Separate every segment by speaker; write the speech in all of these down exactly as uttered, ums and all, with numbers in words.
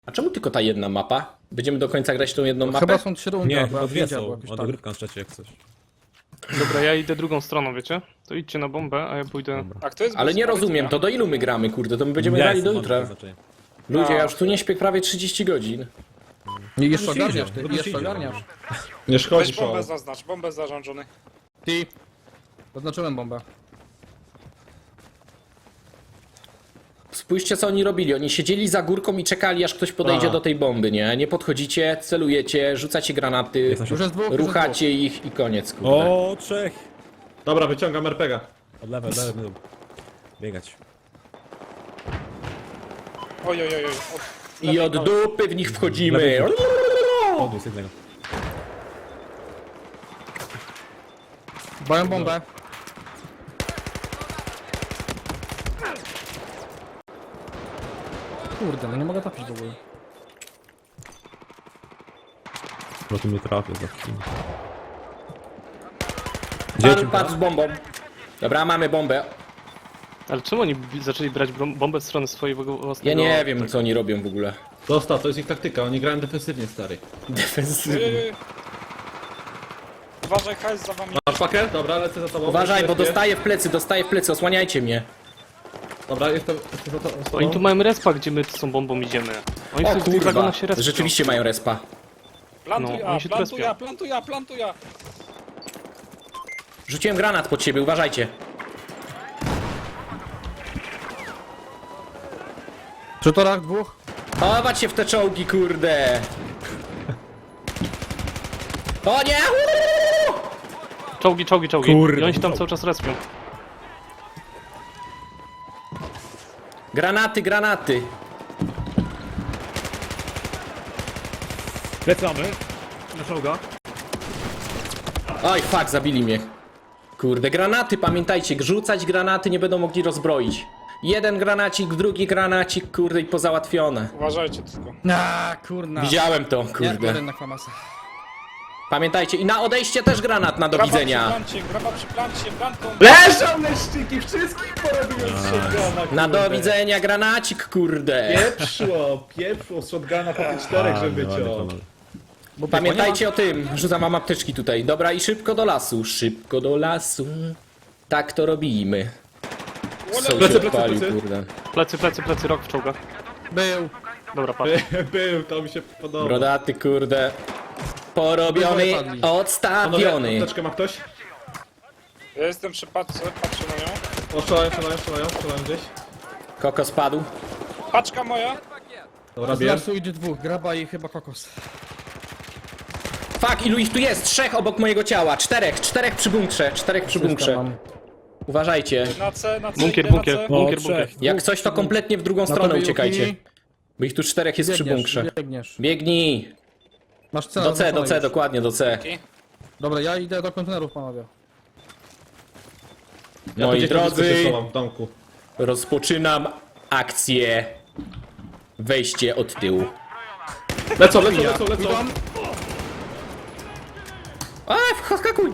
Speaker 1: A czemu tylko ta jedna mapa? Będziemy do końca grać tą jedną mapę?
Speaker 2: Chyba są trzy rundy,
Speaker 3: Nie,
Speaker 2: albo
Speaker 3: chyba dwie
Speaker 2: pięć,
Speaker 3: są.
Speaker 2: albo jakoś
Speaker 3: Ma
Speaker 2: tak.
Speaker 3: dogrywka na trzecie jak coś.
Speaker 4: Dobra, ja idę drugą stroną, wiecie? To idźcie na bombę, a ja pójdę...
Speaker 5: A kto jest
Speaker 1: Ale
Speaker 5: bez
Speaker 1: nie
Speaker 5: powiedzenia?
Speaker 1: rozumiem, to do ilu my gramy, kurde? To my będziemy
Speaker 3: Ja
Speaker 1: grali do
Speaker 3: jestem, mam
Speaker 1: jutra.
Speaker 3: takie znaczenie.
Speaker 1: Ludzie,
Speaker 5: A.
Speaker 1: ja już tu nie śpię prawie trzydzieści godzin.
Speaker 2: Nie, jeszcze
Speaker 3: No się
Speaker 2: ogarniasz,
Speaker 3: idzie,
Speaker 2: ty,
Speaker 3: no to się
Speaker 2: jeszcze
Speaker 3: idzie.
Speaker 2: ogarniasz.
Speaker 6: Nie szkodzi,
Speaker 5: Weź bombę
Speaker 6: o.
Speaker 5: zaznacz, bombę zarządzony.
Speaker 2: Ty. Zaznaczyłem bombę.
Speaker 1: Spójrzcie co oni robili, oni siedzieli za górką i czekali aż ktoś podejdzie
Speaker 6: A.
Speaker 1: do tej bomby, nie? Nie podchodzicie, celujecie, rzucacie granaty,
Speaker 3: Jest na
Speaker 2: Już
Speaker 3: środku.
Speaker 2: jest dwóch, już jest
Speaker 1: ruchacie ich i koniec, kurde.
Speaker 3: O, trzech!
Speaker 6: Dobra, wyciągam er pe ga.
Speaker 3: Od lewej, od lewej będą biegać.
Speaker 5: Oj, oj, oj, oj. Od...
Speaker 1: I od dupy w nich wchodzimy.
Speaker 3: Podniósł jednego.
Speaker 2: dwóch. Mają bombę. Kurde, no nie mogę trafić w ogóle.
Speaker 3: Bo tu mnie trafię za chwilę. Gdzie
Speaker 1: Padł,
Speaker 3: ci
Speaker 1: padł z bombą. Dobra, mamy bombę.
Speaker 4: Ale czemu oni bi- zaczęli brać brom- bombę z strony swojego własnego...
Speaker 1: Ja nie wiem co oni robią w ogóle.
Speaker 6: Zostaw, to jest ich taktyka, oni grają defensywnie, stary.
Speaker 5: Oj,
Speaker 1: Defensywnie.
Speaker 5: oj, oj. Uważaj, hajs za wami.
Speaker 6: Masz pakę? Dobra, lecę za tobą.
Speaker 1: Uważaj, bo
Speaker 6: Lecę.
Speaker 1: dostaję w plecy, dostaję w plecy, osłaniajcie mnie.
Speaker 6: Dobra, jestem, jestem za to. za tobą.
Speaker 4: Oni tu mają respa, gdzie my z tą bombą idziemy. Oni
Speaker 1: O
Speaker 4: w tych
Speaker 1: kurwa,
Speaker 4: wagonach się respią.
Speaker 1: rzeczywiście mają respa.
Speaker 5: Plantuj
Speaker 4: No,
Speaker 5: A,
Speaker 4: oni się
Speaker 5: plantuj
Speaker 4: trespią.
Speaker 5: A, plantuj A, plantuj A.
Speaker 1: Rzuciłem granat pod siebie, uważajcie.
Speaker 2: Przy torach dwóch.
Speaker 1: Chować się w te czołgi, kurde. O nie! Uuu!
Speaker 4: Czołgi, czołgi, czołgi.
Speaker 3: Kurde,
Speaker 4: I oni się tam
Speaker 3: czołgi.
Speaker 4: cały czas respią.
Speaker 1: Granaty, granaty.
Speaker 3: Lecamy. Na czołga.
Speaker 1: Oj, fuck, zabili mnie. Kurde, granaty, pamiętajcie, rzucać granaty nie będą mogli rozbroić. Jeden granacik, drugi granacik, kurde, i pozałatwione.
Speaker 5: Uważajcie tylko.
Speaker 2: A, kurna.
Speaker 1: Widziałem to,
Speaker 2: Nie,
Speaker 1: kurde.
Speaker 2: jeden na klamasa.
Speaker 1: Pamiętajcie, i na odejście też granat na do
Speaker 5: Graba przy
Speaker 1: widzenia.
Speaker 5: plancie, graba przy plancie, plantą.
Speaker 6: Leżą leszczyki, wszystkich porobiłem z shotguna,
Speaker 1: Na do
Speaker 6: kurde.
Speaker 1: widzenia granacik, kurde.
Speaker 6: Pieprzło, pieprzło z shotguna po tych czterech, żeby cię.
Speaker 1: Pamiętajcie o tym, rzucam mam apteczki tutaj. Dobra, i szybko do lasu, szybko do lasu. Tak to robimy. Co się
Speaker 6: Plecy, plecy,
Speaker 1: odpalił,
Speaker 6: plecy.
Speaker 1: kurde.
Speaker 4: Plecy, plecy, plecy, rok w czołgach.
Speaker 2: Był.
Speaker 4: Dobra, patrz.
Speaker 6: Był, to mi się podoba.
Speaker 1: Brodaty, kurde. Porobiony,
Speaker 2: Obydwoje padli.
Speaker 6: Panowie,
Speaker 1: odstawiony.
Speaker 6: apteczkę ma ktoś?
Speaker 5: Ja jestem przy paczce, patrzę na nią.
Speaker 6: O, strzelają, strzelają, strzelają, strzelają gdzieś.
Speaker 1: Kokos spadł.
Speaker 5: Paczka moja.
Speaker 6: Dobra,
Speaker 2: Z
Speaker 6: bierz.
Speaker 2: lasu idzie dwóch, graba i chyba kokos.
Speaker 1: Fuck, ilu ich tu jest? Trzech obok mojego ciała. Czterech, czterech przy bunkrze, czterech przy bunkrze.
Speaker 2: Mam.
Speaker 1: Uważajcie.
Speaker 5: Na C, na C,
Speaker 4: Bunkier,
Speaker 5: idę na
Speaker 4: bunkier,
Speaker 5: C.
Speaker 4: bunkier,
Speaker 3: O,
Speaker 4: bunkier.
Speaker 3: trzech.
Speaker 1: Jak coś, to kompletnie w drugą
Speaker 2: Na
Speaker 1: stronę
Speaker 2: tobie,
Speaker 1: uciekajcie.
Speaker 2: Yuki.
Speaker 1: Bo ich tu czterech jest przy
Speaker 2: Biegniesz,
Speaker 1: bunkrze.
Speaker 2: biegniesz.
Speaker 1: Biegnij.
Speaker 2: Masz cel
Speaker 1: Do C, do
Speaker 2: zaznaczony
Speaker 1: C,
Speaker 2: już.
Speaker 1: dokładnie, do C.
Speaker 2: Dobra, ja idę do kontenerów, panowie.
Speaker 6: Ja
Speaker 1: Moi
Speaker 6: tu gdzieś na blisko się
Speaker 1: drodzy,
Speaker 6: schowam w domku.
Speaker 1: rozpoczynam akcję. Wejście od tyłu.
Speaker 6: Lecą, lecą, lecą, lecą.
Speaker 1: A, wskakuj!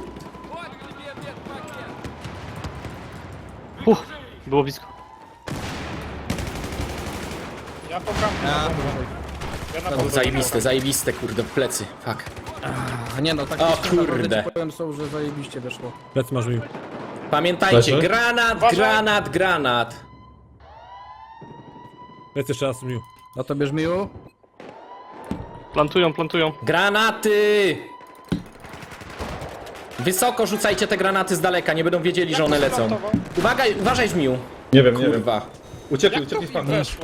Speaker 4: Uff, było blisko.
Speaker 5: Ja po kampu.
Speaker 2: A,
Speaker 5: Ja na
Speaker 1: O,
Speaker 5: bombę.
Speaker 1: zajebiste, zajebiste, kurde, w plecy. Fuck.
Speaker 2: a nie no, tak
Speaker 1: O,
Speaker 2: naprawdę
Speaker 1: kurde.
Speaker 2: ci powiem są, że zajebiście wyszło.
Speaker 3: Plecy masz mi.
Speaker 1: Pamiętajcie,
Speaker 6: Leży?
Speaker 1: granat,
Speaker 5: Uważaj.
Speaker 1: granat, granat.
Speaker 3: Plecy jeszcze raz mił.
Speaker 2: A to bierz miu.
Speaker 4: Plantują, plantują.
Speaker 1: Granaty! Wysoko rzucajcie te granaty z daleka, nie będą wiedzieli, że one lecą.
Speaker 5: Plantował.
Speaker 1: Uwaga, uważaj, żmiu.
Speaker 6: Nie wiem, nie wiem.
Speaker 1: Kurwa.
Speaker 6: Uciekli,
Speaker 5: Jak to
Speaker 6: uciekli
Speaker 5: w
Speaker 6: z
Speaker 5: nim
Speaker 6: panką.
Speaker 5: weszło?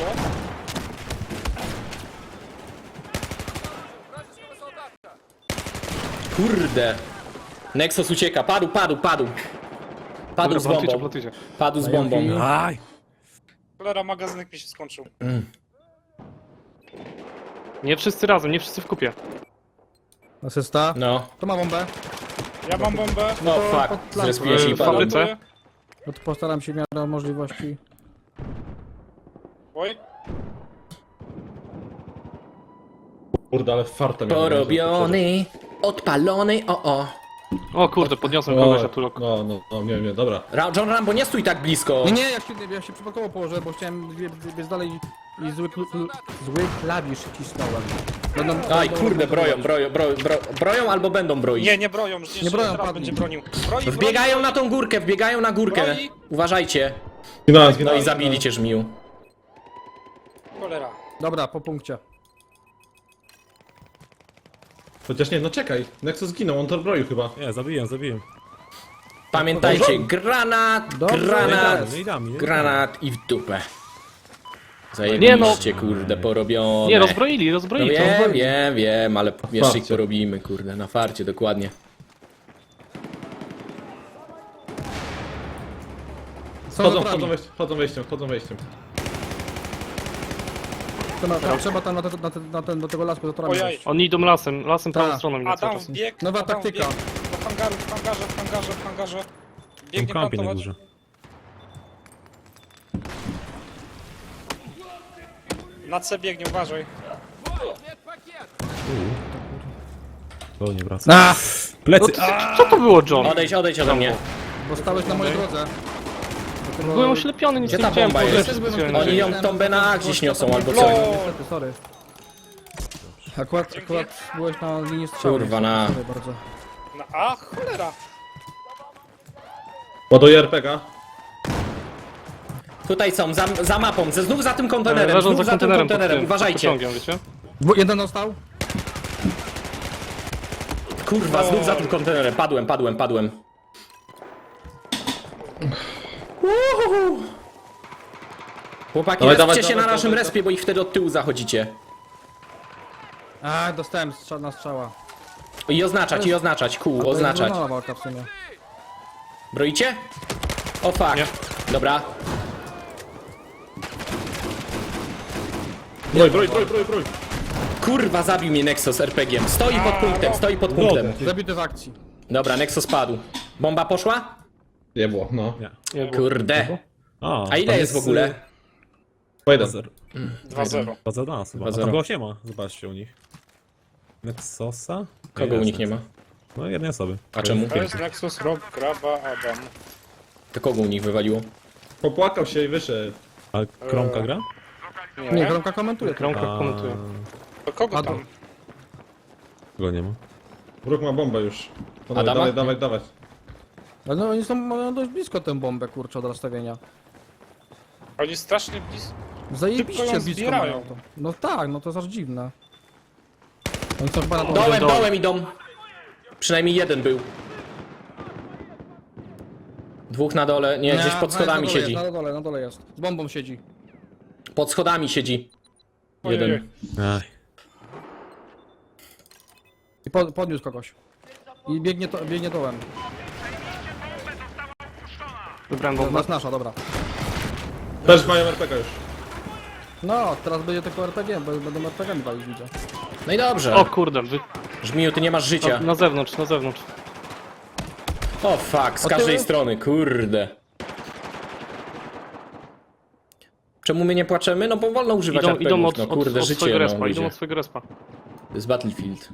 Speaker 1: Kurde. Nexus ucieka, padł, padł, padł. Padł
Speaker 4: Dobra,
Speaker 1: z
Speaker 4: plantujcie,
Speaker 1: bombą.
Speaker 4: plantujcie.
Speaker 1: Padł z bombą.
Speaker 3: Aj!
Speaker 5: Cholera, magazynek mi się skończył.
Speaker 4: Nie wszyscy razem, nie wszyscy w kupie.
Speaker 2: Asysta.
Speaker 1: No.
Speaker 2: To ma bombę.
Speaker 5: Ja mam bombę.
Speaker 1: No
Speaker 2: pod
Speaker 1: fuck,
Speaker 2: plan-
Speaker 1: zrespiłem się i
Speaker 4: w
Speaker 1: padłem.
Speaker 4: fabryce.
Speaker 5: Plantuję.
Speaker 2: No to postaram się w miarę możliwości.
Speaker 5: Oj,
Speaker 6: Kurde, ale farta miałem.
Speaker 1: Porobiony, odpalony, o o.
Speaker 4: O kurde, podniosłem
Speaker 6: O,
Speaker 4: kogoś, a tu rok.
Speaker 6: no, no, no, nie, nie, dobra.
Speaker 1: Ra- John Rambo, nie stój tak blisko.
Speaker 2: Nie, nie, ja się, ja się przypadkowo położę, bo chciałem wie- wie- biec dalej i zły, kl- zły klawisz wcisnąłem. Będą,
Speaker 1: Aj,
Speaker 2: będą
Speaker 1: kurde, broją,
Speaker 2: remontować.
Speaker 1: broją, broją, bro, broją albo będą broić.
Speaker 5: Nie, nie broją, już nie,
Speaker 2: Nie broją,
Speaker 5: teraz
Speaker 2: padli.
Speaker 5: będzie bronił. Broi,
Speaker 1: Wbiegają
Speaker 5: broni,
Speaker 1: na tą górkę, wbiegają na górkę.
Speaker 5: Broi.
Speaker 1: Uważajcie.
Speaker 6: Zginąłem,
Speaker 1: No
Speaker 6: zginąłem.
Speaker 1: i zabili cię, żmiu.
Speaker 5: Cholera.
Speaker 2: Dobra, po punkcie.
Speaker 6: Chociaż nie, no czekaj. Nexus zginął, on to broił chyba.
Speaker 3: Nie, zabiłem, zabiłem.
Speaker 1: Pamiętajcie, granat,
Speaker 2: Dobrze.
Speaker 1: granat,
Speaker 3: No i dam, nie?
Speaker 1: granat i w dupę.
Speaker 4: Nie no.
Speaker 1: Zajebiście, kurde, porobione.
Speaker 4: Nie, rozbroili,
Speaker 1: No
Speaker 4: rozbroili. to
Speaker 1: wiem,
Speaker 4: rozbroili.
Speaker 1: wiem, wiem, ale jeszcze ich
Speaker 6: farcie.
Speaker 1: porobimy, kurde, na farcie, dokładnie.
Speaker 2: Są
Speaker 6: Chodzą,
Speaker 2: naturami.
Speaker 6: chodzą, wejściem, chodzą wejściem, chodzą wejściem.
Speaker 2: Trzeba, tam, trzeba tam na, te, na, te, na ten, do tego lasku naturami
Speaker 5: Ojej.
Speaker 2: wejść.
Speaker 4: Oni idą lasem, lasem prawą
Speaker 2: Tak.
Speaker 4: stroną idą cały
Speaker 5: Adam
Speaker 4: czas.
Speaker 5: wbiegł.
Speaker 2: Nowa
Speaker 5: Adam
Speaker 2: taktyka.
Speaker 5: wbiegł Do hangaru, w hangarze, w hangarze, w hangarze.
Speaker 3: Tam
Speaker 5: Biegnie
Speaker 3: kampi na
Speaker 5: plantować.
Speaker 3: górze.
Speaker 5: Na C biegnie, uważaj.
Speaker 3: To nie wraca.
Speaker 2: A,
Speaker 3: Plecy!
Speaker 4: Co to było, John?
Speaker 1: Odejdź, odejdź ode mnie.
Speaker 2: bo stałeś na mojej drodze. Dlatego-
Speaker 4: Byłem oślepiony, nic
Speaker 1: Gdzie
Speaker 4: nie
Speaker 1: ta
Speaker 4: widziałem.
Speaker 1: bomba
Speaker 4: w ogóle,
Speaker 1: jest?
Speaker 4: się
Speaker 2: Byłem
Speaker 4: specjalnie
Speaker 1: Oni
Speaker 4: dzieje.
Speaker 1: ją tombę na A gdzieś niosą albo
Speaker 5: No.
Speaker 1: coś.
Speaker 2: Niestety, sorry. Akurat, akurat byłeś na linii strzału.
Speaker 1: Kurwa, na-
Speaker 2: Sorry bardzo.
Speaker 5: Na A, cholera.
Speaker 6: Ładuję R P G a.
Speaker 1: Tutaj są, za, za mapą, ze, znów za tym kontenerem,
Speaker 4: Leżą
Speaker 1: znów
Speaker 4: za
Speaker 1: za tym
Speaker 4: kontenerem, pod
Speaker 1: kontenerem,
Speaker 4: tym,
Speaker 1: uważajcie.
Speaker 4: pod pociągiem, wiecie?
Speaker 2: Bo jeden dostał?
Speaker 1: Kurwa, znów za tym kontenerem, padłem, padłem, padłem. Uhuhu. Chłopaki,
Speaker 6: Dawaj,
Speaker 1: respcie
Speaker 6: dawaj,
Speaker 1: się
Speaker 6: dawaj,
Speaker 1: na naszym
Speaker 6: dawaj,
Speaker 1: respie, bo ich wtedy od tyłu zachodzicie.
Speaker 2: A, dostałem strza na strzała.
Speaker 1: I oznaczać, i oznaczać, kół,
Speaker 2: To jest
Speaker 1: oznaczać.
Speaker 2: wyrównana walka w sumie.
Speaker 1: Broicie? O fuck.
Speaker 4: Nie.
Speaker 1: Dobra.
Speaker 6: Broj, broj, broj, broj, broj.
Speaker 1: Kurwa, zabił mnie Nexus er pe gie em. Stoi pod punktem, stoi pod punktem.
Speaker 2: Zabity w akcji.
Speaker 1: Dobra, Nexus padł. Bomba poszła?
Speaker 6: Nie było, no.
Speaker 3: Nie.
Speaker 4: Nie było.
Speaker 1: Kurde.
Speaker 3: A,
Speaker 1: A ile
Speaker 3: tam
Speaker 1: jest w ogóle?
Speaker 6: Jeden.
Speaker 5: dwa zero.
Speaker 3: dwa za nas chyba. A
Speaker 1: dwa zero.
Speaker 3: tam go nie ma, zobaczcie u nich. Nexosa?
Speaker 1: Kogo u
Speaker 3: Jest
Speaker 1: nich nie ma?
Speaker 3: No jednej osoby.
Speaker 1: A czemu?
Speaker 5: To jest Nexus, Rob, Graba, Adam.
Speaker 1: To kogo u nich wywaliło?
Speaker 6: Popłakał się i wyszedł.
Speaker 3: A Kromka gra?
Speaker 5: Nie,
Speaker 2: Nie, Gromka komentuje. to.
Speaker 4: Kromka
Speaker 3: A,
Speaker 4: komentuje.
Speaker 5: To kogo
Speaker 2: Adam.
Speaker 5: tam?
Speaker 3: Go nie ma.
Speaker 6: Bruk ma bombę już. Panowie,
Speaker 1: Adama?
Speaker 6: dawaj, dawaj, dawaj.
Speaker 2: Ale no oni są mają dość blisko tę bombę, kurczę, od rozstawienia.
Speaker 5: Oni strasznie blisko.
Speaker 2: Zajebiście
Speaker 5: Szybko ją
Speaker 2: blisko
Speaker 5: zbierają.
Speaker 2: mają to. No tak, no to jest aż dziwne. Oni są chyba na tą
Speaker 1: Dołem,
Speaker 4: dołem.
Speaker 1: dołem idą. Przynajmniej jeden był. Dwóch na dole, nie, gdzieś pod
Speaker 2: na-
Speaker 1: schodami
Speaker 2: na dole
Speaker 1: siedzi.
Speaker 2: Jest, na dole, na dole jest. Z bombą siedzi.
Speaker 1: Pod schodami siedzi.
Speaker 5: Ojej.
Speaker 1: Jeden.
Speaker 3: Aj.
Speaker 2: I po, podniósł kogoś. I biegnie, to, biegnie dołem.
Speaker 4: Wybrałem
Speaker 2: To
Speaker 4: bombę.
Speaker 2: jest nasza, dobra.
Speaker 6: Też mają R P G a już.
Speaker 2: No, teraz będzie tylko er pe gie, bo będą er pe gie mi walić, widzę.
Speaker 1: No i dobrze.
Speaker 4: O kurde, wy...
Speaker 1: Żmiju, ty nie masz życia.
Speaker 4: na zewnątrz, na zewnątrz.
Speaker 1: O fuck, z
Speaker 2: O,
Speaker 1: każdej
Speaker 2: tyły?
Speaker 1: strony, kurde. Czemu my nie płaczemy? No bo wolno używać
Speaker 4: Idą,
Speaker 1: er pe gie
Speaker 4: idą
Speaker 1: ów,
Speaker 4: od,
Speaker 1: no
Speaker 4: od,
Speaker 1: kurde,
Speaker 4: od
Speaker 1: życie,
Speaker 4: swojego
Speaker 1: no,
Speaker 4: respa, idą
Speaker 1: ludzie.
Speaker 4: od swojego respa.
Speaker 1: To jest Battlefield.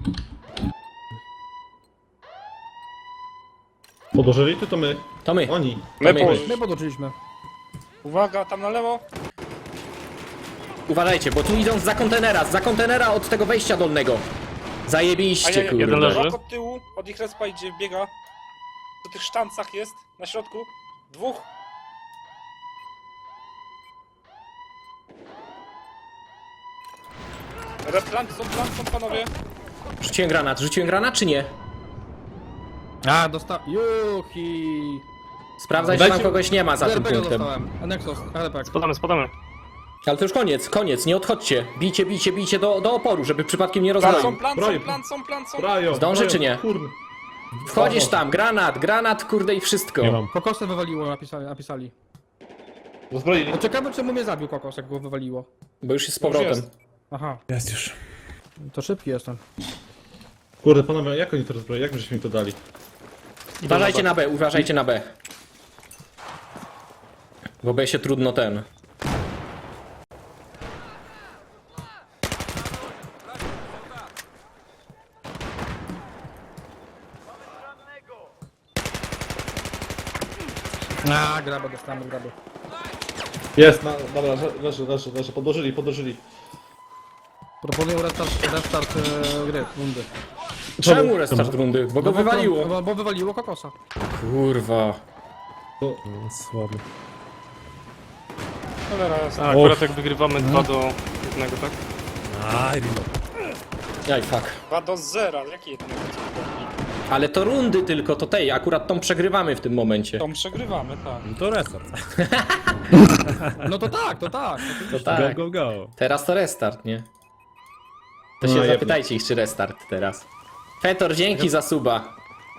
Speaker 6: Podłożyli tu to my.
Speaker 1: To my.
Speaker 6: Oni.
Speaker 5: My
Speaker 1: my.
Speaker 5: położyć.
Speaker 2: My podłączyliśmy.
Speaker 5: Uwaga, tam na lewo.
Speaker 1: Uważajcie, bo tu idą za kontenera, za kontenera od tego wejścia dolnego. Zajebiście,
Speaker 5: Ajajaj,
Speaker 1: kurde.
Speaker 4: jeden leży.
Speaker 5: Rok od tyłu, od ich respa idzie, biega. Po tych sztancach jest, na środku. Dwóch. Replant są, plant są, panowie.
Speaker 1: Rzuciłem granat, rzuciłem granat czy nie?
Speaker 2: A, dostał. Juhi.
Speaker 1: Sprawdzaj, czy
Speaker 6: Dajcie-
Speaker 1: tam kogoś nie ma za
Speaker 2: Z
Speaker 1: tym
Speaker 2: er pe gie
Speaker 1: punktem.
Speaker 2: dostałem. A Nexus, er pe gie.
Speaker 4: Spadamy, spadamy.
Speaker 1: Ale to już koniec, koniec, nie odchodźcie. Bijcie, bijcie, bijcie do, do oporu, żeby przypadkiem nie
Speaker 5: Plant są,
Speaker 1: rozwalił.
Speaker 5: plant
Speaker 6: Broj.
Speaker 5: są, plant są, plant są.
Speaker 6: Brają,
Speaker 1: Zdąży,
Speaker 6: brają.
Speaker 1: czy nie?
Speaker 6: Kurn.
Speaker 1: Wchodzisz tam, granat, granat, kurde i wszystko.
Speaker 3: Nie mam.
Speaker 2: Kokosy wywaliło, napisali. napisali.
Speaker 6: Rozbroili.
Speaker 2: No ciekawe, czemu mnie zabił kokos, jak go wywaliło.
Speaker 1: Bo już jest z
Speaker 5: Już
Speaker 1: powrotem.
Speaker 5: jest.
Speaker 2: Aha,
Speaker 3: Jest już.
Speaker 2: to szybki jestem.
Speaker 6: Kurde, panowie, jak oni to rozbroili? Jak żeśmy im to dali?
Speaker 1: Uważajcie na B, uważajcie na B. Bo B się trudno ten.
Speaker 2: A, grabę dostałem, grabę.
Speaker 6: Jest, na, dobra, le- leży, leży, leży, podłożyli, podłożyli.
Speaker 2: Proponuję restart, restart e, gry, rundy.
Speaker 1: Czemu restart rundy? Bo go
Speaker 2: No bo-
Speaker 1: wywaliło.
Speaker 2: Bo, bo wywaliło kokosa.
Speaker 1: Kurwa.
Speaker 3: No, słaby.
Speaker 5: Cholera jasna.
Speaker 4: A akurat jak wygrywamy dwa do jednego, tak?
Speaker 3: Aj, reload.
Speaker 1: Jaj, fuck.
Speaker 5: dwa do zera, jakie jednego?
Speaker 1: Ale to rundy tylko, to tej, akurat tą przegrywamy w tym momencie.
Speaker 5: Tą przegrywamy, tak.
Speaker 3: No to restart.
Speaker 2: No to tak, to tak.
Speaker 1: To tak.
Speaker 3: Go, go, go.
Speaker 1: Teraz to restart, nie? To
Speaker 6: No,
Speaker 1: się
Speaker 6: jebno.
Speaker 1: zapytajcie ich, czy restart teraz. Fetor, dzięki za suba.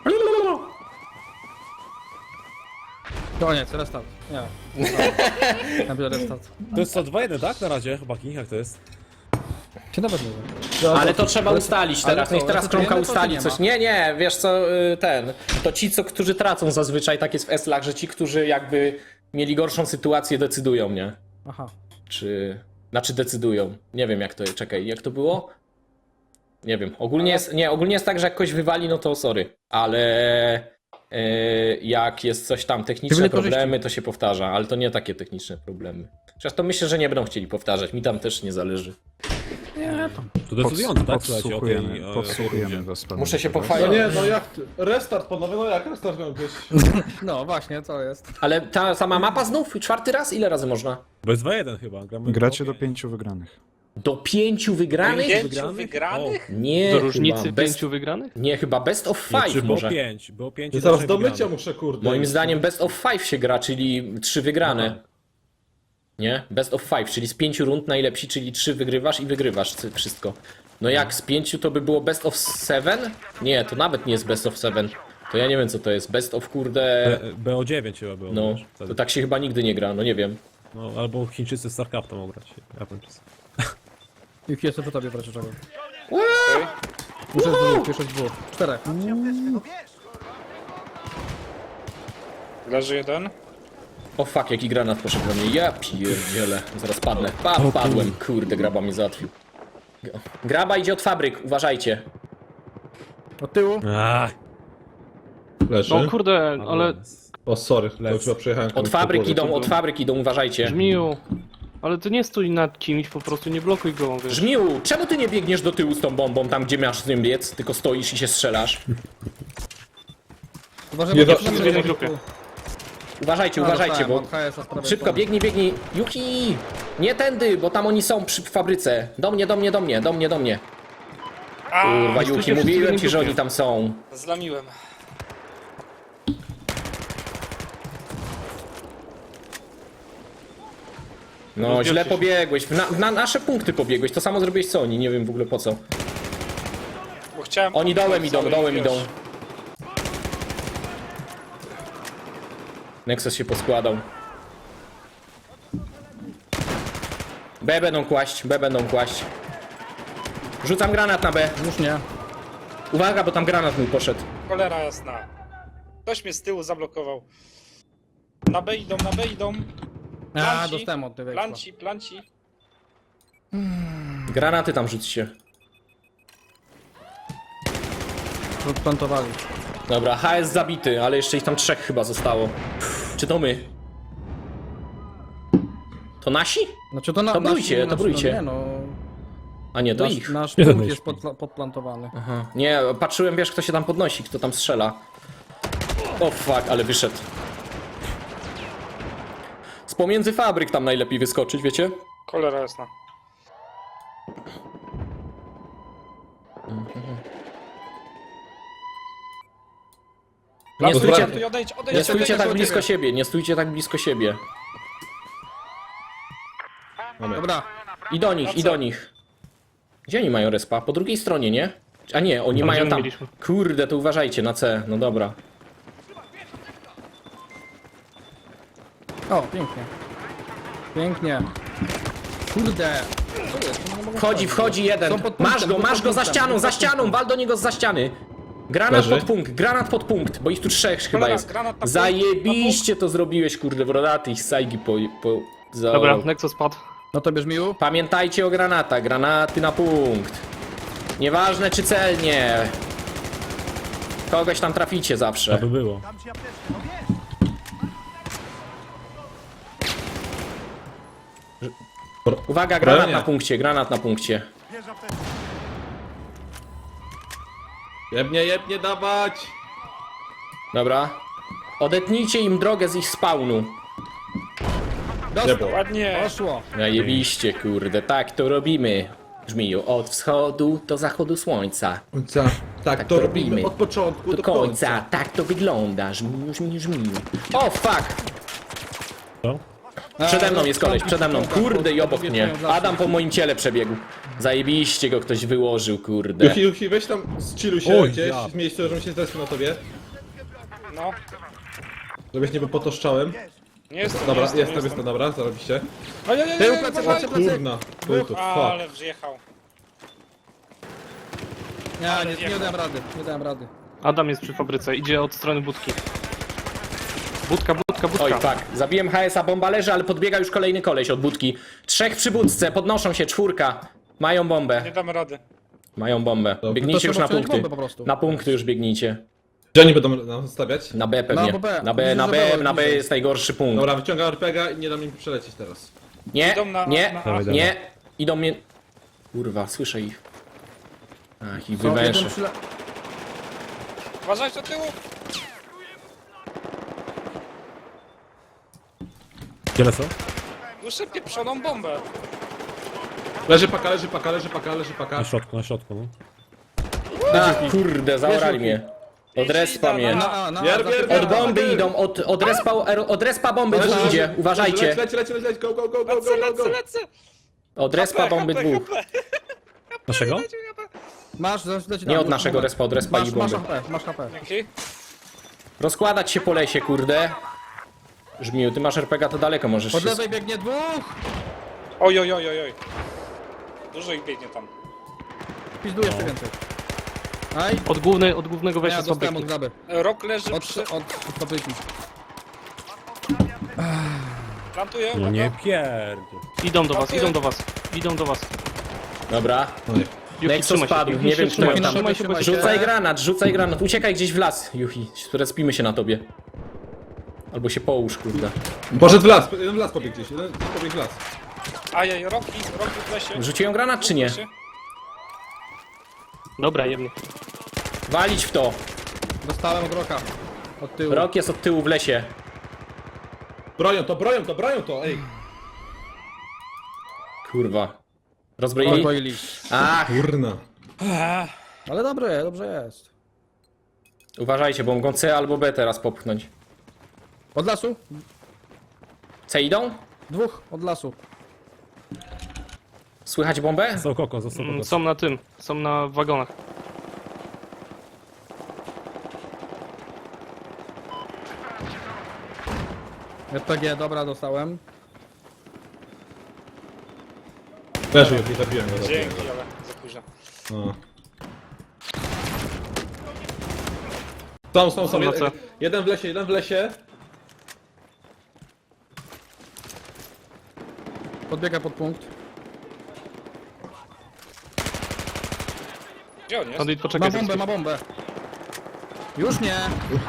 Speaker 2: Koniec, restart. Nie. Ja biorę restart.
Speaker 3: To jest co, dwa jeden, tak? Na razie, chłopaki, jak to jest?
Speaker 2: Czy nawet nie wiem.
Speaker 1: Ale to trzeba ustalić
Speaker 2: ale
Speaker 1: teraz,
Speaker 2: co,
Speaker 1: niech teraz
Speaker 2: resetujemy,
Speaker 1: Kromka
Speaker 2: to
Speaker 1: ustali
Speaker 2: czy nie
Speaker 1: coś.
Speaker 2: ma?
Speaker 1: Nie, nie, wiesz co, y, ten, to ci, co, którzy tracą zazwyczaj, tak jest w eslach, że ci, którzy jakby mieli gorszą sytuację, decydują, nie?
Speaker 2: Aha.
Speaker 1: Czy, znaczy decydują. Nie wiem jak to, czekaj, jak to było? Nie wiem, ogólnie jest, nie, ogólnie jest tak, że jak ktoś wywali, no to sorry, ale y, jak jest coś tam, techniczne
Speaker 2: Tyle korzyści.
Speaker 1: problemy, to się powtarza, ale to nie takie techniczne problemy. Chociaż to myślę, że nie będą chcieli powtarzać, mi tam też nie zależy.
Speaker 3: To decydujące, tak? Słuchajcie, o tej...
Speaker 7: Podsłuchujemy,
Speaker 3: o-
Speaker 7: podsłuchujemy was. panowie,
Speaker 1: Muszę się
Speaker 7: dobra?
Speaker 6: No
Speaker 1: pochwalić.
Speaker 6: nie, no jak, ty- restart panowie, no jak restart miał być?
Speaker 2: No właśnie, co jest?
Speaker 1: Ale ta sama mapa znów? Czwarty raz? Ile razy można?
Speaker 3: Bo jest dwa jeden chyba. Gramy
Speaker 7: Gracie do
Speaker 3: pięć.
Speaker 7: pięciu wygranych.
Speaker 1: Do pięciu wygranych?
Speaker 5: Pięciu wygranych?
Speaker 1: Nie,
Speaker 4: Do
Speaker 1: chyba
Speaker 4: różnicy
Speaker 1: best,
Speaker 4: pięciu wygranych?
Speaker 1: nie, chyba best of
Speaker 3: Nie,
Speaker 1: five
Speaker 3: czy było
Speaker 1: może.
Speaker 3: pięć, było pięć.
Speaker 6: I
Speaker 3: i
Speaker 6: zaraz
Speaker 3: trzech
Speaker 6: do mycia
Speaker 3: wygranych.
Speaker 6: muszę, kurde.
Speaker 1: Moim zdaniem best of five się gra, czyli trzy wygrane. Nie? Best of five, czyli z pięciu rund najlepsi, czyli trzy wygrywasz i wygrywasz cy- wszystko. No jak z pięciu to by było best of seven? Nie, to nawet nie jest best of seven. To ja nie wiem co to jest. Best of kurde...
Speaker 3: B- B O dziewięć chyba było.
Speaker 1: No,
Speaker 3: wiesz, wtedy.
Speaker 1: to tak się chyba nigdy nie gra, no nie wiem.
Speaker 3: No, albo Chińczycy w StarCraft mogą grać. Japończycy.
Speaker 2: Ich jestem po tobie, proszę czego.
Speaker 5: Okej.
Speaker 2: Muszę z dwóch, jeszcze z dwóch. Czterech.
Speaker 5: Leży jeden.
Speaker 1: O fuck, jaki granat poszedł we mnie. Ja pierdzielę. Zaraz padnę. Pa, padłem. Kurde, graba mnie załatwił. Graba idzie od fabryk, uważajcie.
Speaker 2: Od tyłu.
Speaker 3: Ach,
Speaker 6: Leży.
Speaker 4: No kurde, ale
Speaker 6: O, sorry, bo
Speaker 3: Lec.
Speaker 6: chyba przejechałem.
Speaker 1: Od
Speaker 6: komuś
Speaker 1: fabryk
Speaker 6: po głowie.
Speaker 1: idą, od fabryk idą, uważajcie.
Speaker 4: Żmiu. Ale to nie stój nad kimś, po prostu nie blokuj go, wiesz.
Speaker 1: Żmiu, czemu ty nie biegniesz do tyłu z tą bombą, tam gdzie masz z nim biec, tylko stoisz i się strzelasz?
Speaker 2: Uważaj,
Speaker 6: Nie
Speaker 2: bo
Speaker 6: do-
Speaker 2: to
Speaker 4: w jednej grupie.
Speaker 1: Uważajcie,
Speaker 2: A,
Speaker 1: uważajcie,
Speaker 2: dostałem
Speaker 1: bo...
Speaker 2: od H S-a z prawej
Speaker 1: Szybko,
Speaker 2: strony.
Speaker 1: biegnij, biegnij. Yuki! Nie tędy, bo tam oni są przy fabryce. Do mnie, do mnie, do mnie, do mnie, do mnie.
Speaker 5: A,
Speaker 1: Kurwa,
Speaker 4: stójcie
Speaker 1: Yuki,
Speaker 4: wszyscy w
Speaker 1: mówiłem
Speaker 4: jednej
Speaker 1: ci, że
Speaker 4: grupie.
Speaker 1: oni tam są.
Speaker 5: zlamiłem.
Speaker 1: No,
Speaker 5: Rozbiorcie
Speaker 1: źle
Speaker 5: się.
Speaker 1: pobiegłeś. W Na, w na nasze punkty pobiegłeś. To samo zrobiłeś co oni, nie wiem w ogóle po co.
Speaker 5: Bo chciałem...
Speaker 1: Oni dołem idą,
Speaker 5: cały,
Speaker 1: dołem
Speaker 5: wiesz.
Speaker 1: idą. Nexus się poskładał. B będą kłaść, B będą kłaść. Rzucam granat na B.
Speaker 2: Już nie.
Speaker 1: Uwaga, bo tam granat mój poszedł.
Speaker 5: Cholera jasna. Ktoś mnie z tyłu zablokował. Na B idą, na B idą.
Speaker 2: A,
Speaker 5: Planci,
Speaker 2: dostałem od tyłu.
Speaker 5: Planci, planci.
Speaker 1: Granaty tam rzućcie.
Speaker 2: Plantowali.
Speaker 1: Dobra, H S zabity, ale jeszcze ich tam trzech chyba zostało. Czy to my? To nasi?
Speaker 2: Znaczy to na...
Speaker 1: To brójcie,
Speaker 2: nasz-
Speaker 1: to
Speaker 2: nasz-
Speaker 1: brójcie.
Speaker 2: No, nie no...
Speaker 1: A nie, to
Speaker 2: Nasz,
Speaker 1: ich.
Speaker 2: nasz
Speaker 3: Jeden
Speaker 2: punkt jest
Speaker 3: myśli.
Speaker 2: podpla- podplantowany.
Speaker 1: Aha. Nie, patrzyłem, wiesz, kto się tam podnosi, kto tam strzela. O fuck, ale wyszedł. Z pomiędzy fabryk tam najlepiej wyskoczyć, wiecie?
Speaker 5: Cholera jasna.
Speaker 1: Nie stójcie,
Speaker 5: Odejdź, odejdź, odejdź,
Speaker 1: nie stójcie
Speaker 5: odejdź,
Speaker 1: tak
Speaker 5: odejdź.
Speaker 1: blisko siebie, nie stójcie tak blisko siebie.
Speaker 2: Dobra.
Speaker 1: I do nich, i do nich. Gdzie oni mają respa? Po drugiej stronie, nie? A nie, oni
Speaker 4: Tam,
Speaker 1: mają
Speaker 4: gdzie
Speaker 1: tam.
Speaker 4: mieliśmy.
Speaker 1: Kurde, to uważajcie na C, no dobra.
Speaker 2: O, pięknie. Pięknie. Kurde. Co jest? No, nie mogę
Speaker 1: Wchodzi,
Speaker 2: wchodzić.
Speaker 1: wchodzi jeden.
Speaker 2: Są pod
Speaker 1: Masz
Speaker 2: punktem,
Speaker 1: go,
Speaker 2: pod
Speaker 1: masz go za
Speaker 2: punktem,
Speaker 1: ścianą,
Speaker 2: pod
Speaker 1: za
Speaker 2: punktem.
Speaker 1: ścianą, wal do niego za ściany. Granat
Speaker 6: Leży.
Speaker 1: pod punkt, granat pod punkt, bo ich tu trzech chyba
Speaker 5: Cholera,
Speaker 1: jest.
Speaker 5: granat na punkt,
Speaker 1: Zajebiście to zrobiłeś, kurde, brodaty ich sajgi po... po za...
Speaker 4: Dobra, Nexus padł.
Speaker 2: No to bierz miłu.
Speaker 1: Pamiętajcie o granatach, granaty na punkt. Nieważne czy celnie. Kogoś tam traficie zawsze.
Speaker 3: aby było.
Speaker 1: Uwaga, granat
Speaker 3: Bronię.
Speaker 1: na punkcie, granat na punkcie.
Speaker 6: Jebnie, jebnie, dawać!
Speaker 1: Dobra. Odetnijcie im drogę z ich spawnu.
Speaker 2: Dostał.
Speaker 5: Ładnie.
Speaker 2: Poszło.
Speaker 1: Zajebiście, kurde, tak to robimy. Żmiju, od wschodu do zachodu słońca.
Speaker 6: Końca. Tak, to
Speaker 1: to
Speaker 6: robimy
Speaker 1: robimy.
Speaker 6: od początku
Speaker 1: Do
Speaker 6: do
Speaker 1: końca,
Speaker 6: końca.
Speaker 1: tak to wygląda. Żmiju, żmiju, żmiju. O, fuck!
Speaker 3: Co?
Speaker 1: Przede mną jest koleś, przede mną. Kurde i obok mnie. Adam po moim ciele przebiegł. Zajebiście go ktoś wyłożył, kurde.
Speaker 6: Juchi, Juchi, weź tam, zchilluj się
Speaker 3: Oj,
Speaker 6: gdzieś
Speaker 3: ja.
Speaker 6: w miejscu, żebym się zrespił na tobie.
Speaker 5: No.
Speaker 6: Żebyś nie był potoszczałem.
Speaker 5: Nie jestem,
Speaker 6: Dobra,
Speaker 5: nie jestem,
Speaker 6: jestem,
Speaker 5: nie
Speaker 6: jestem, dobra, zarobiście.
Speaker 5: Ojej,
Speaker 2: Tył,
Speaker 5: ojej,
Speaker 2: plecy,
Speaker 5: uważaj.
Speaker 2: plecy, plecy.
Speaker 6: Kurna, chuj tu,
Speaker 5: Ale
Speaker 6: fuck.
Speaker 5: wjechał.
Speaker 2: Nie, nie, nie dałem rady, nie dałem rady.
Speaker 4: Adam jest przy fabryce, idzie od strony budki. Budka, budka, budka.
Speaker 1: Oj, fuck. Zabiłem H S a, bomba leży, ale podbiega już kolejny koleś od budki. Trzech przy budce, podnoszą się, czwórka. Mają bombę.
Speaker 5: Nie damy rady.
Speaker 1: Mają bombę.
Speaker 6: To
Speaker 1: Biegnijcie już
Speaker 2: trzeba
Speaker 1: na
Speaker 2: przejąć
Speaker 1: punkty.
Speaker 2: bombę po prostu.
Speaker 1: Na punkty już biegnijcie.
Speaker 6: Gdzie oni będą nas stawiać?
Speaker 1: Na B pewnie.
Speaker 2: Na B.
Speaker 1: Na B,
Speaker 2: Widzę,
Speaker 1: na
Speaker 2: że
Speaker 1: B,
Speaker 2: było
Speaker 1: na B
Speaker 2: bliżej.
Speaker 1: jest najgorszy punkt.
Speaker 6: Dobra, wyciągam R P G a i nie dam im przelecieć teraz.
Speaker 1: Nie,
Speaker 5: Idą na-
Speaker 1: nie,
Speaker 5: na A.
Speaker 3: Dawaj,
Speaker 1: nie. Idą mnie... Kurwa, słyszę ich. Ach, ich
Speaker 2: Co,
Speaker 1: wywęszę.
Speaker 2: jeden przyla-
Speaker 5: Uważaj do tyłu.
Speaker 3: Gdzie lecą?
Speaker 5: Duszę pieprzoną bombę.
Speaker 6: Leży paka, leży paka, leży paka, leży paka.
Speaker 3: Na środku, na środku, no.
Speaker 1: A, kurde, zaorali
Speaker 2: Wiesz,
Speaker 1: mnie. Od respa mnie.
Speaker 2: Na A, na A,
Speaker 6: Bier,
Speaker 2: za
Speaker 6: bier,
Speaker 2: tym-
Speaker 6: bier.
Speaker 1: Od bomby idą, od, od, respa, od respa bomby
Speaker 6: Leży,
Speaker 1: dwóch idzie,
Speaker 6: leży,
Speaker 1: uważajcie.
Speaker 6: Leć, leć, leć, leć, leć, go, go, go, go,
Speaker 5: Lecę,
Speaker 6: go, go,
Speaker 5: lecę,
Speaker 6: go.
Speaker 5: lecę.
Speaker 1: Od respa bomby
Speaker 5: H P,
Speaker 1: dwóch.
Speaker 5: H P.
Speaker 3: Naszego?
Speaker 2: Masz, leci
Speaker 1: Nie
Speaker 2: tam,
Speaker 1: od
Speaker 2: masz
Speaker 1: naszego
Speaker 2: bombę.
Speaker 1: respa, od respa
Speaker 2: Masz,
Speaker 1: i
Speaker 2: masz
Speaker 1: bomby.
Speaker 2: H P, masz H P.
Speaker 5: Dzięki.
Speaker 1: Rozkładać się po lesie, kurde. Żmiu, ty masz R P G, to daleko możesz
Speaker 2: Od
Speaker 1: się...
Speaker 2: lewej biegnie dwóch!
Speaker 5: Oj, oj, oj, oj, oj. Dużo ich biegnie tam.
Speaker 2: Pizdu jeszcze więcej. Aj,
Speaker 4: Od, głównej, od głównego
Speaker 2: ja
Speaker 4: wejścia z
Speaker 2: dostałem od
Speaker 4: fabryki.
Speaker 2: graby.
Speaker 5: Rok leży
Speaker 2: Od,
Speaker 5: przy...
Speaker 2: od, od fabryki.
Speaker 5: Plantuję,
Speaker 3: No
Speaker 5: uwaga.
Speaker 3: nie pierdol.
Speaker 4: Idą do was, idą do was. Idą do was.
Speaker 1: Dobra.
Speaker 4: Juchi,
Speaker 1: Nexus
Speaker 4: trzymaj się,
Speaker 1: spadł,
Speaker 4: Juchi,
Speaker 1: nie wiem kto
Speaker 4: trzymaj
Speaker 1: ją
Speaker 4: się,
Speaker 1: tam...
Speaker 4: trzymaj się, bo
Speaker 2: Rzucaj
Speaker 4: się...
Speaker 1: Rzucaj granat, rzucaj granat. Uciekaj gdzieś w las, Juchi. Respimy się na tobie. Albo się połóż, kurde.
Speaker 6: Poszedł w las, jeden w las pobiegł gdzieś, jeden pobiegł w las.
Speaker 5: Ajaj, roki, roki w lesie.
Speaker 1: Rzuciłem granat czy nie?
Speaker 5: W lesie.
Speaker 4: Dobra, jemnie.
Speaker 1: Walić w to.
Speaker 2: Dostałem od roka. Od tyłu.
Speaker 1: Rok jest od tyłu w lesie.
Speaker 6: Bronią to, bronią to, bronią to, ej.
Speaker 1: Kurwa. Rozbroili?
Speaker 2: Rozbroili.
Speaker 1: Ach,
Speaker 6: Kurna.
Speaker 2: Ale dobre, dobrze jest.
Speaker 1: uważajcie, bo mogą C albo B teraz popchnąć.
Speaker 2: Od lasu?
Speaker 1: C idą?
Speaker 2: Dwóch od lasu.
Speaker 1: Słychać bombę?
Speaker 3: Został kokos, został
Speaker 4: Mm,
Speaker 3: kokos.
Speaker 4: Są na tym, są na wagonach.
Speaker 2: R P G, dobra, dostałem.
Speaker 6: Leży, Juchi, zabiłem go, zabiłem
Speaker 5: Dzięki,
Speaker 6: go.
Speaker 5: ale za późno.
Speaker 6: No. Są, są, są.
Speaker 4: Na
Speaker 6: Jeden,
Speaker 4: C.
Speaker 6: jeden w lesie, jeden w lesie.
Speaker 2: Podbiega pod punkt.
Speaker 5: Gdzie on jest?
Speaker 4: Bandit,
Speaker 2: Ma
Speaker 4: poczekaj.
Speaker 2: bombę, ma bombę. Już nie.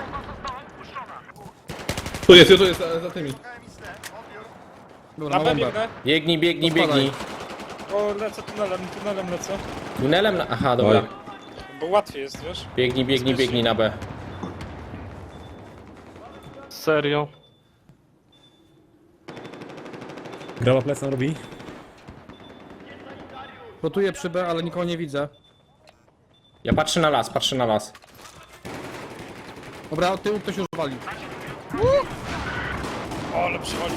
Speaker 6: Tu jest, tu jest, za, za tymi.
Speaker 2: Dobra,
Speaker 5: Na
Speaker 2: ma
Speaker 5: B
Speaker 2: bombę.
Speaker 5: biegnę.
Speaker 1: Biegnij, biegnij,
Speaker 2: Spadaj.
Speaker 1: biegnij.
Speaker 5: O, lecę tunelem, tunelem lecę.
Speaker 1: Tunelem na... Aha, dobra.
Speaker 6: Oj.
Speaker 5: Bo łatwiej jest, wiesz?
Speaker 1: Biegnij, biegnij, biegnij na B.
Speaker 4: Serio.
Speaker 3: Graba plecem robi.
Speaker 2: Rotuję przy B, ale nikogo nie widzę.
Speaker 1: Ja patrzę na las, patrzę na las.
Speaker 2: Dobra, od tyłu ktoś już wali.
Speaker 5: O, ale przywali.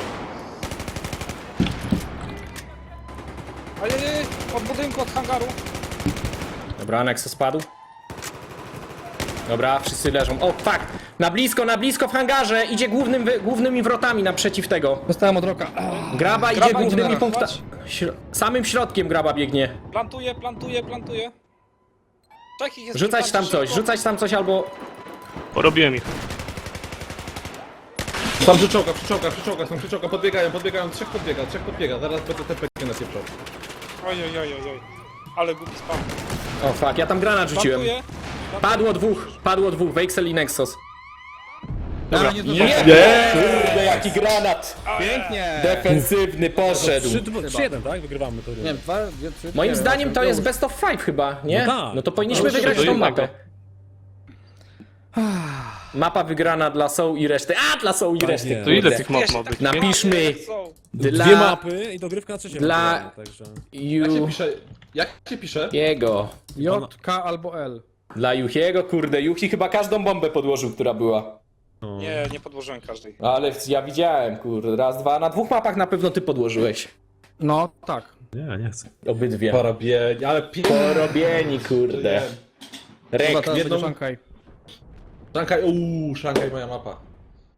Speaker 5: Ajajaj, od budynku, od hangaru.
Speaker 1: Dobra, Nexus spadł. Dobra, wszyscy leżą. O, fuck! Na blisko, na blisko w hangarze! Idzie głównym, wy- głównymi wrotami naprzeciw tego.
Speaker 2: Dostałem od roka. Ah,
Speaker 1: Graba idzie
Speaker 5: Graba
Speaker 1: głównymi
Speaker 5: idzie
Speaker 1: punktami.
Speaker 5: naraz.
Speaker 1: Śro- samym środkiem graba biegnie.
Speaker 5: Plantuję, plantuję, plantuję. Takich jest
Speaker 1: Rzucać
Speaker 5: kilka,
Speaker 1: tam coś,
Speaker 5: szybko.
Speaker 1: rzucać tam coś albo...
Speaker 4: Porobiłem ich.
Speaker 6: Są przyczołka, przyczołka, przyczołka, są przyczołka, podbiegają, podbiegają, trzech podbiega, trzech podbiega, zaraz będę T P G napieprzał.
Speaker 5: Oj, oj, oj, oj, oj. Ale głupi spam.
Speaker 1: O, fuck, ja tam granat rzuciłem.
Speaker 5: Plantuję.
Speaker 1: Padło dwóch, padło dwóch, Vexel i Nexus.
Speaker 2: Dobra, nie zdążyłem.
Speaker 1: Kurde, jaki granat!
Speaker 2: Pięknie!
Speaker 1: Defensywny poszedł.
Speaker 3: trzy jeden, tak? Wygrywamy to.
Speaker 2: Nie wiem, dwa, dwie, trzy,
Speaker 1: Moim
Speaker 2: cztery,
Speaker 1: zdaniem
Speaker 2: osiem,
Speaker 1: to jest
Speaker 2: już.
Speaker 1: best of five chyba, nie?
Speaker 3: No tak.
Speaker 1: No to powinniśmy
Speaker 4: No to
Speaker 1: wygrać
Speaker 4: do
Speaker 1: tą
Speaker 4: innego.
Speaker 1: mapę. Mapa wygrana dla Soul i reszty. A, dla Soul i
Speaker 3: Tak
Speaker 1: reszty.
Speaker 3: jest.
Speaker 4: To ile
Speaker 1: kurde.
Speaker 4: tych map ma być?
Speaker 1: Napiszmy
Speaker 5: Są.
Speaker 1: dla
Speaker 3: Dwie mapy i dogrywka na trzecie.
Speaker 1: dla-
Speaker 3: ewentualnie, Także...
Speaker 6: Jak się
Speaker 1: Ju...
Speaker 6: pisze? Jak się pisze?
Speaker 1: Jego.
Speaker 2: J, K albo L.
Speaker 1: Dla Juchiego, kurde. Juchi chyba każdą bombę podłożył, która była.
Speaker 3: No.
Speaker 5: Nie, nie podłożyłem każdej.
Speaker 1: Ale ja widziałem, kurde. Raz, dwa. Na dwóch mapach na pewno ty podłożyłeś.
Speaker 2: No, tak.
Speaker 3: Nie, nie chcę.
Speaker 1: Obydwie.
Speaker 6: Porobienie, ale pi...
Speaker 1: Porobieni, kurde.
Speaker 2: Chyba
Speaker 1: Rek.
Speaker 2: teraz
Speaker 6: jedną-
Speaker 2: będzie Szankaj.
Speaker 6: Szankaj, uuu, Szankaj moja mapa.